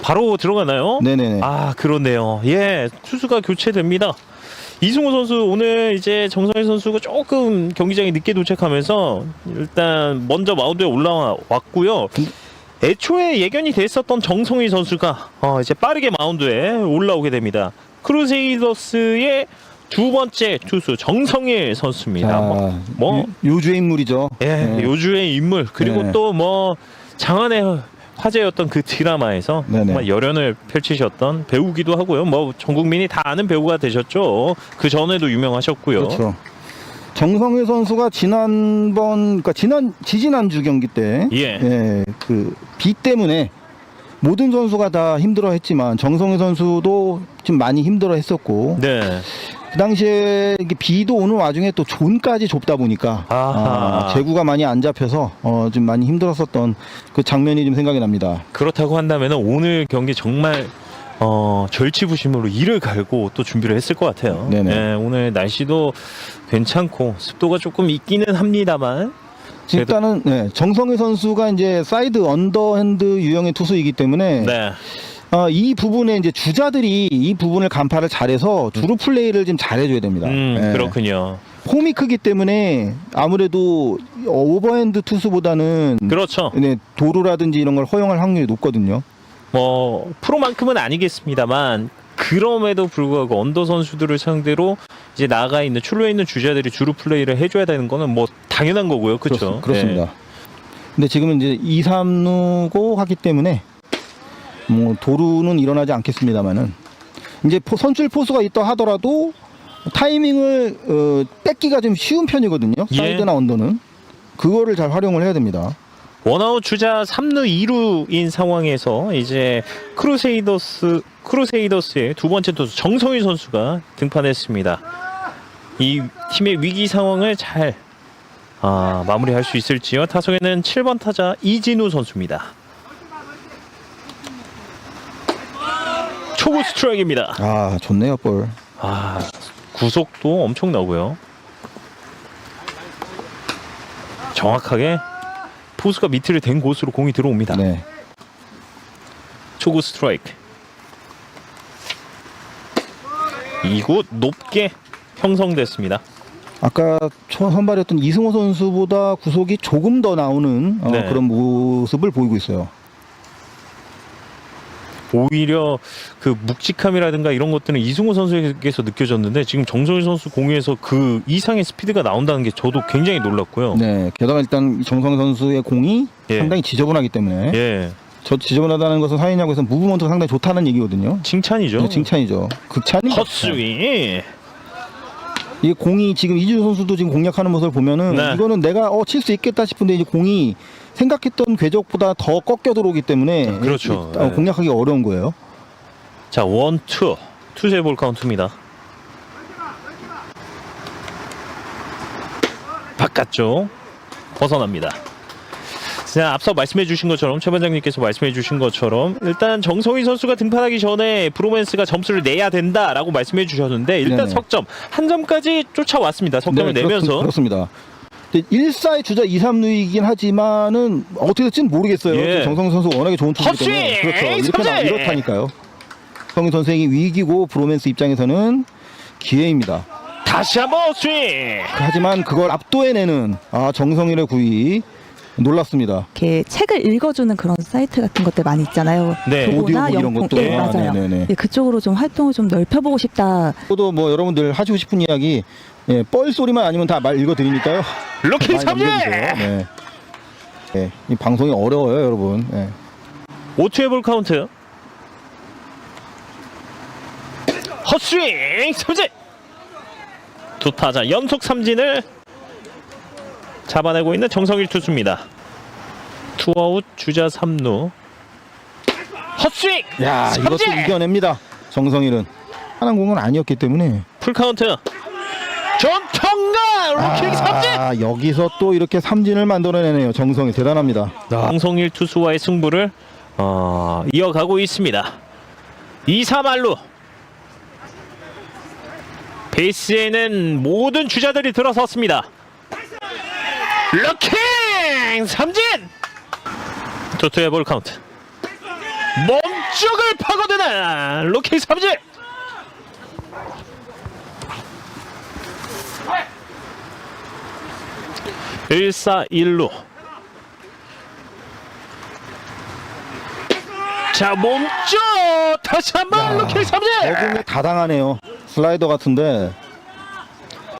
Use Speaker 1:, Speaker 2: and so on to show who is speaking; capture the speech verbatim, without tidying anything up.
Speaker 1: 바로 들어가나요?
Speaker 2: 네네네.
Speaker 1: 아, 그렇네요. 예, 투수가 교체됩니다. 이승우 선수 오늘 이제 정성일 선수가 조금 경기장에 늦게 도착하면서 일단 먼저 마운드에 올라왔고요. 애초에 예견이 됐었던 정성일 선수가 어 이제 빠르게 마운드에 올라오게 됩니다. 크루세이더스의 두 번째 투수 정성일 선수입니다.
Speaker 2: 자,
Speaker 1: 뭐, 뭐
Speaker 2: 요, 요주의 인물이죠.
Speaker 1: 예,
Speaker 2: 네.
Speaker 1: 요주의 인물 그리고
Speaker 2: 네.
Speaker 1: 또 뭐 장안의 화제였던 그 드라마에서
Speaker 2: 네네.
Speaker 1: 정말 열연을 펼치셨던 배우기도 하고요. 뭐 전 국민이 다 아는 배우가 되셨죠. 그 전에도 유명하셨고요.
Speaker 2: 그렇죠. 정성일 선수가 지난번, 그러니까 지난 지지난주 경기 때,
Speaker 1: 예.
Speaker 2: 그 비 때문에 모든 선수가 다 힘들어했지만 정성일 선수도 좀 많이 힘들어했었고,
Speaker 1: 네.
Speaker 2: 그 당시에 이게 비도 오는 와중에 또 존까지 좁다 보니까
Speaker 1: 아하.
Speaker 2: 아, 제구가 많이 안 잡혀서 어, 좀 많이 힘들었었던 그 장면이 좀 생각이 납니다.
Speaker 1: 그렇다고 한다면 오늘 경기 정말 어, 절치부심으로 이를 갈고 또 준비를 했을 것 같아요.
Speaker 2: 네네.
Speaker 1: 네, 오늘 날씨도 괜찮고 습도가 조금 있기는 합니다만 그래도-
Speaker 2: 일단은 네, 정성일 선수가 이제 사이드 언더핸드 유형의 투수이기 때문에
Speaker 1: 네.
Speaker 2: 어, 이 부분에 이제 주자들이 이 부분을 간파를 잘해서 주루 플레이를 좀 잘해줘야 됩니다.
Speaker 1: 음,
Speaker 2: 예.
Speaker 1: 그렇군요.
Speaker 2: 폼이 크기 때문에 아무래도 오버핸드 투수보다는
Speaker 1: 그렇죠.
Speaker 2: 네, 도루라든지 이런 걸 허용할 확률이 높거든요.
Speaker 1: 뭐 프로만큼은 아니겠습니다만 그럼에도 불구하고 언더 선수들을 상대로 이제 나가 있는 출루에 있는 주자들이 주루 플레이를 해줘야 되는 거는 뭐 당연한 거고요, 그렇죠?
Speaker 2: 그렇, 습니다 근데 지금은 이제 이, 삼루고 하기 때문에 뭐 도루는 일어나지 않겠습니다만은 이제 포, 선출 포수가 있다 하더라도 타이밍을 어, 뺏기가 좀 쉬운 편이거든요.
Speaker 1: 예.
Speaker 2: 사이드나 언더는 그거를 잘 활용을 해야 됩니다.
Speaker 1: 원아웃 주자 삼루 이루인 상황에서 이제 크루세이더스 크루세이더스의 두 번째 투수 정성일 선수가 등판했습니다. 이 팀의 위기 상황을 잘 아, 마무리할 수 있을지요. 타석에는 칠 번 타자 이진우 선수입니다. 초구 스트라이크입니다.
Speaker 2: 아 좋네요 볼.
Speaker 1: 아, 구속도 엄청나고요. 정확하게 포수가 밑을 댄 곳으로 공이 들어옵니다.
Speaker 2: 네.
Speaker 1: 초구 스트라이크. 이 구 높게 형성됐습니다.
Speaker 2: 아까 초 선발이었던 이승호 선수보다 구속이 조금 더 나오는 어,
Speaker 1: 네.
Speaker 2: 그런 모습을 보이고 있어요.
Speaker 1: 오히려 그 묵직함이라든가 이런 것들은 이승우 선수에게서 느껴졌는데 지금 정성일 선수 공에서 그 이상의 스피드가 나온다는 게 저도 굉장히 놀랐고요.
Speaker 2: 네. 게다가 일단 정성 선수의 공이
Speaker 1: 예.
Speaker 2: 상당히 지저분하기 때문에
Speaker 1: 예,
Speaker 2: 저 지저분하다는 것은 사인야구에서 무브먼트가 상당히 좋다는 얘기거든요.
Speaker 1: 칭찬이죠.
Speaker 2: 네, 칭찬이죠. 극찬이.
Speaker 1: 헛스윙.
Speaker 2: 이게 공이 지금 이준호 선수도 지금 공략하는 모습을 보면은
Speaker 1: 네.
Speaker 2: 이거는 내가 어 칠 수 있겠다 싶은데 이제 공이 생각했던 궤적보다 더 꺾여 들어오기 때문에
Speaker 1: 그렇죠.
Speaker 2: 이- 어,
Speaker 1: 네.
Speaker 2: 공략하기 어려운 거예요.
Speaker 1: 자, 원, 투. 투세 볼 카운트입니다. 바깥쪽 벗어납니다. 자, 앞서 말씀해 주신 것처럼 최 반장님께서 말씀해 주신 것처럼 일단 정성희 선수가 등판하기 전에 브로맨스가 점수를 내야 된다라고 말씀해 주셨는데 일단
Speaker 2: 네네.
Speaker 1: 석점 한 점까지 쫓아왔습니다. 석점을
Speaker 2: 네,
Speaker 1: 내면서
Speaker 2: 그렇, 습니다 일 사의 주자 이, 삼루이긴 하지만은 어떻게 될지는 모르겠어요.
Speaker 1: 예.
Speaker 2: 정성 선수 워낙에 좋은 투수이기 때문에
Speaker 1: 헛스윙!
Speaker 2: 그렇죠. 이렇게 나,
Speaker 1: 삼진!
Speaker 2: 이렇다니까요. 정성 선생이 위기고 브로맨스 입장에서는 기회입니다.
Speaker 1: 다시 한번 스윙.
Speaker 2: 하지만 그걸 압도해내는 아, 정성일의 구위 놀랐습니다.
Speaker 3: 이렇게 책을 읽어주는 그런 사이트 같은 것들 많이 있잖아요.
Speaker 1: 네.
Speaker 3: 그거나
Speaker 2: 오디오북 이런
Speaker 3: 영통-
Speaker 2: 것도.
Speaker 3: 네,
Speaker 2: 아,
Speaker 3: 맞아요.
Speaker 2: 네네네.
Speaker 3: 네, 그쪽으로 좀 활동을 좀 넓혀보고 싶다.
Speaker 2: 또도 뭐 여러분들 하시고 싶은 이야기 예, 뻘 소리만 아니면 다 말 읽어드리니까요.
Speaker 1: 루킹
Speaker 2: 많이
Speaker 1: 삼진.
Speaker 2: 남겨주세요. 네. 네, 이 방송이 어려워요, 여러분. 네.
Speaker 1: 오 투의 볼 카운트. 헛스윙 삼진. 두 타자 연속 삼진을 잡아내고 있는 정성일 투수입니다. 투아웃 주자 삼루. 헛스윙.
Speaker 2: 야, 이것도
Speaker 1: 삼진.
Speaker 2: 이겨냅니다. 정성일은 하는 공은 아니었기 때문에.
Speaker 1: 풀 카운트. 전통가 루킹 삼진.
Speaker 2: 아, 여기서 또 이렇게 삼진을 만들어내네요. 정성일 대단합니다.
Speaker 1: 정성일 투수와의 승부를 어, 이어가고 있습니다. 이 사 말루. 베이스에는 모든 주자들이 들어섰습니다. 루킹 삼진. 투투의 볼 카운트. 멈 몸쪽을 파고드는 로킥 삼진. 일 사 일 루. 자, 몸쪽 다시 한번 로킥 삼진.
Speaker 2: 적응이 다 당하네요. 슬라이더 같은데